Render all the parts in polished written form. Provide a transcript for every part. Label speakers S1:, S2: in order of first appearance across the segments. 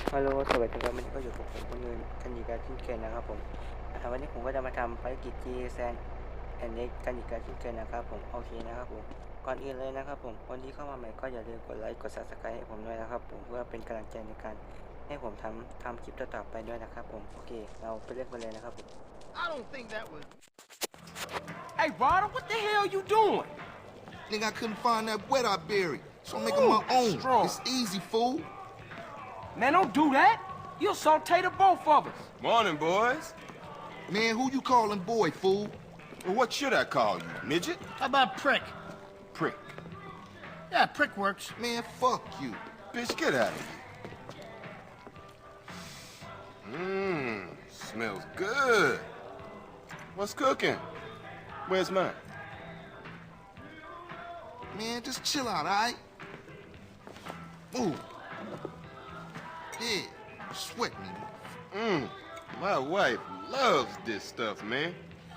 S1: ฮัลโหลสวัสดีครับวันนี้ก็อยู่กับผมคนอื่นกันอีกแล้วเช่นเคยนะครับผมวันนี้ผมก็จะมาทำภารกิจ G San and Next กันอีกแล้วเช่นเคยนะครับผมโอเคนะครับผมก่อนอื่นเลยนะครับผมคนที่เข้ามาใหม่ก็อย่าลืมกดไลค์กด Subscribe ให้ผมด้วยนะครับผมเพื่อเป็นกำลังใจในการให้ผมทำคลิปต่อๆไปด้วยนะครับผมโอเคเราไปเล่นกันเลยนะครับผม
S2: I don't think that was.
S3: Hey, Ryder, what the hell you doing?
S2: Nigga, I couldn't find that wet I buried, so I'm making my own.
S3: Strong.
S2: It's easy, fool.
S3: Man, don't do that. You'll saute the both of us.
S4: Morning, boys.
S2: Man, who you calling boy, fool?
S4: Well, what should I call you, midget?
S5: How about prick?
S4: Prick.
S5: Yeah, prick works.
S2: Man, fuck you.
S4: Bitch, get out of here. Smells good. What's cooking? Where's mine?
S2: Man, just chill out, all right? Move. Yeah, sweat me.
S4: My wife loves this stuff, man.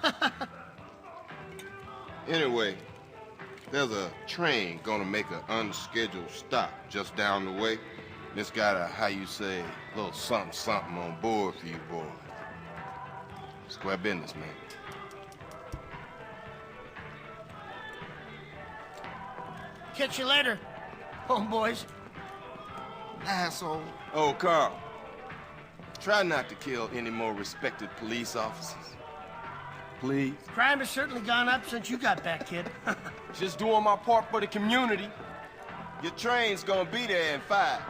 S4: Anyway, there's a train gonna make an unscheduled stop just down the way. It's got a, how you say, little something on board for you boys. Square business, man.
S5: Catch you later, homeboys.
S2: Asshole.
S4: Oh, Carl, try not to kill any more respected police officers. Please.
S5: Crime has certainly gone up since you got back, kid.
S3: Just doing my part for the community.
S4: Your train's gonna be there in 5.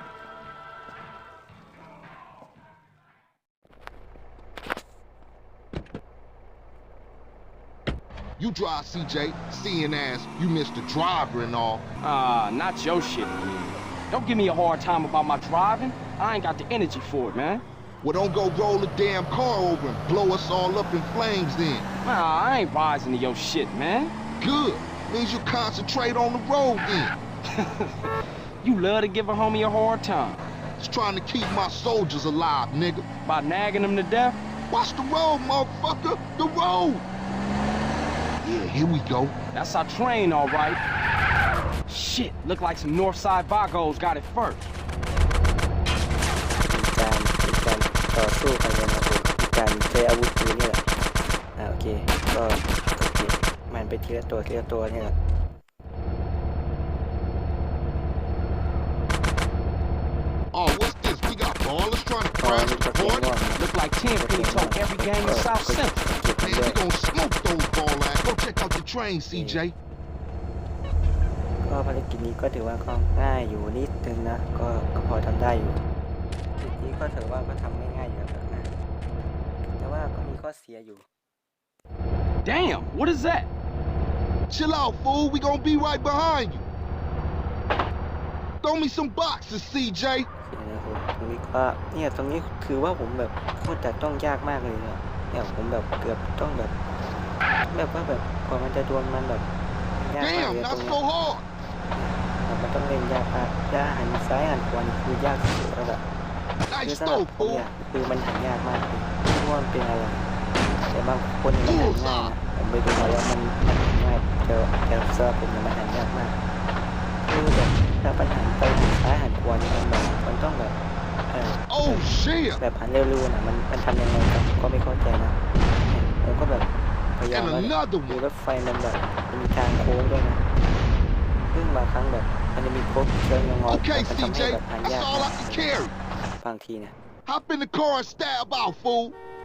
S2: You drive, CJ. Seeing as you missed the driver and all.
S3: Not your shit, man. Don't give me a hard time about my driving. I ain't got the energy for it, man.
S2: Well, don't go roll the damn car over and blow us all up in flames then.
S3: Nah, I ain't rising to your shit, man.
S2: Good. Means you concentrate on the road then.
S3: You love to give a homie a hard time.
S2: Just trying to keep my soldiers alive, nigga.
S3: By nagging them to death?
S2: Watch the road, motherfucker. The road. Yeah, here we go.
S3: That's our train, all right. Shit, look like some Northside Vagos got it first.
S1: การต่อสู้กันนะครับผมการใช้อาวุธปืนนี่แหละโอเคก็โอเคมันไปทีละตัวนี่แหละ
S2: Oh, what's this? We got ballers trying to crash the party?
S3: Look like 10 finna tote every game in South Central.
S2: Man, we gonna smoke those ball ass. Go check out the train, CJ.
S1: ก็ภารกิจนี้ก็ถือว่าก็ง่ายอยู่นิดนึงนะก็พอทำได้อยู่ภารกิจนี้ก็ถือว่าก็ทำไม่ง่ายอยู่แล้วนะแต่ว่าก็มีข้อเสียอยู่
S3: Damn, what is that?
S2: Chill out, fool. We gonna be right behind you. Throw me some boxes, CJ.
S1: โอเคนะครับตรงนี้ก็เนี่ยตรงนี้คือว่าผมแบบโคตรแต่ต้องยากมากเลยเนี่ยผมแบบเกือบต้องแบบว่าแบบกว่ามันจะโดนมันแบบยากมากเลย
S2: Damn,
S1: ตรง
S2: not
S1: นี้
S2: so hard.
S1: มันต้องเล่นยากมากย่าหันซ้ายหันขวานี่คือยากสุดแล้วแบบคือ
S2: Nice
S1: สำหรับ
S2: throw,
S1: ผม
S2: fool.
S1: เนี่ยคือมันหันยากมากเลยไม่รู้ว่ามันเป็นอะไรแต่บางคนเนี่ยมันหันง่ายนะผมไปดูมาแล้วมันหันง่ายแต่สำหรับผมเนี่ยมันหันยากมากคือแบบถ้าปัญหาไปหันซ้ายหันขวานี่มันต้องแบบ
S2: Oh shit.
S1: แบบหันเร็วๆนะมันทำยังไงก็ไม่เข้าใจนะผมก็แบบพยายามว่าดูรถไฟมันแบบมีทางโค้งด้วยนะซึ่งบางครั้งแบบมันจะมีโค้งเชิงงอๆ
S2: Okay,
S1: มันทำให้
S2: CJ.
S1: แบบหัน
S2: That's
S1: ยาก
S2: all I can carry.
S1: บางทีเนี่ย
S2: Hop in the car and stab out, fool.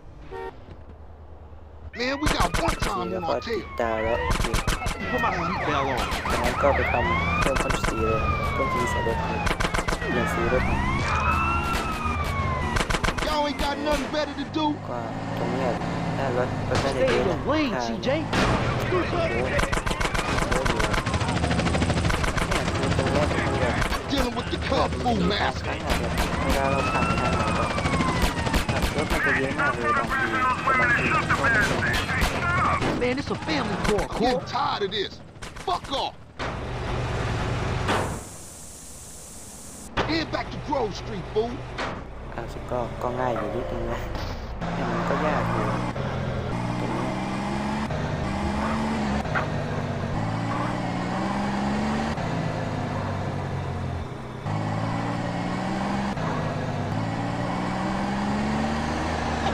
S2: Man, we got one
S1: ที
S2: time
S1: แล้ว
S2: on
S1: ก็
S2: our
S1: ติด
S2: tail.
S1: ตาแล้ว
S2: Put my seatbelt on.
S1: จากนั้นก็ไปทำเพิ่มความสีเลยเพิ่มสีใส่รถเลยเปลี่ยนสีรถ
S2: Y'all ain't got nothing better to do.
S1: ก็ตรงเนี้ยถ้ารถน่าจะเยอะนะCJ โอ้โหเนี่ยคือตรงเนี้ยมันแบบ
S2: Dealing with the kung fu
S1: บาง
S2: master.
S1: ครั้งอะแบบเวลาเราผ่านทางไหนแบบรถมันจะเยอะมากเลยบางทีแต่บางทีมันก็ไม่เยอะ
S5: Man, it's a family car.
S2: I'm getting tired of this. Fuck off. Head back to Grove Street, fool.
S1: สิก็ง่ายอยู่นิดนึงนะแต่มันก็ยากอยู่ตรงนี้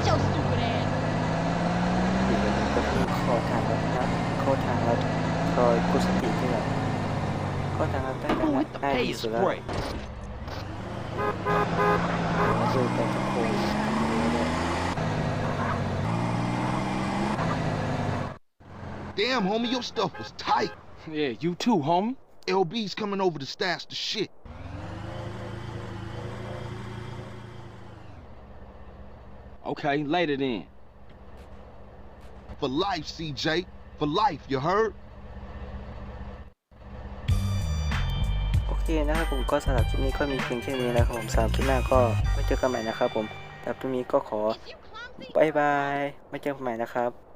S6: Shut your stupid ass.
S1: อยู่ในนี้ก็คือข้อทางลัดนะข้อทางลัดคอยกุศติที่แบบข้อทางลัดได้
S3: Who
S1: นะ
S3: hit the
S1: ง่าย
S3: pay
S1: ที่
S3: is
S1: สุดแล้ว
S3: great.
S1: มาดูกันทุกคน
S2: Damn, homie, your stuff was tight.
S3: Yeah, you too, homie.
S2: LB's coming over to stash the shit.
S3: Okay, later then.
S2: For life, CJ. For life, you heard?
S1: โอเคนะครับผมก็สำหรับคลิปนี้ก็มีเพียงแค่นี้แล้วครับผมสำหรับคลิปหน้าก็ไว้เจอกันใหม่นะครับผมแต่คลิปนี้ก็ขอ
S6: If you clumsy,
S1: บายบายไว้เจอกันใหม่นะครับ